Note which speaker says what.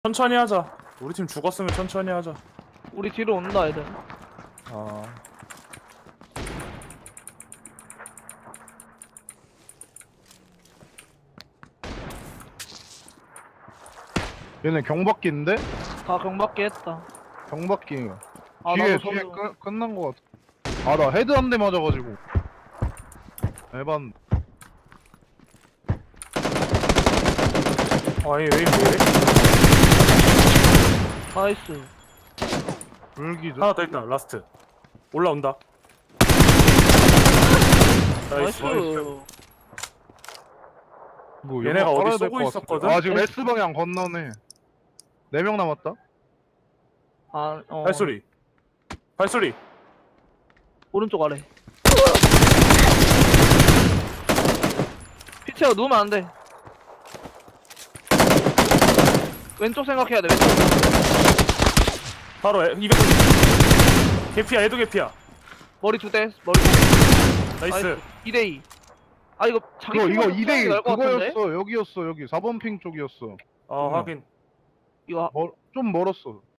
Speaker 1: 천천히 하자. 우리 팀 죽었으면 천천히 하자.
Speaker 2: 우리 뒤로 온다 애들.
Speaker 1: 아,
Speaker 3: 얘네 경박기인데?
Speaker 2: 다 경박기 했다.
Speaker 3: 경박기
Speaker 2: 아
Speaker 3: 뒤에
Speaker 2: 나도
Speaker 3: 뒤에
Speaker 2: 저기
Speaker 3: 끝난 거 같아. 아 나 헤드 한 대 맞아가지고 에반.
Speaker 1: 아니 왜 이래?
Speaker 2: 나이스.
Speaker 3: 불기죠?
Speaker 1: 하나 더 있다. 라스트. 올라온다.
Speaker 2: 나이스.
Speaker 1: 나이스.
Speaker 3: 뭐
Speaker 1: 얘네가
Speaker 3: 연막
Speaker 1: 어디
Speaker 3: 깔아야 될
Speaker 1: 쏘고
Speaker 3: 것
Speaker 1: 있었거든?
Speaker 3: 같은데. 아 지금 S 방향 건너네. 4명 남았다.
Speaker 2: 아
Speaker 1: 발소리. 발소리.
Speaker 2: 오른쪽 아래. 피치가 누우면 안 돼. 왼쪽 생각해야 돼. 왼쪽.
Speaker 1: 바로 200. 개피야. 얘도 개피야.
Speaker 2: 머리 두 대. 머리 두 대.
Speaker 1: 나이스.
Speaker 2: 2대2. 아 이거 자기
Speaker 3: 이거
Speaker 2: 팀한테
Speaker 3: 2대1
Speaker 2: 날것 같은데?
Speaker 3: 그거였어. 여기였어. 여기 4번 핑 쪽이었어.
Speaker 1: 확인.
Speaker 2: 이거
Speaker 3: 좀 멀었어.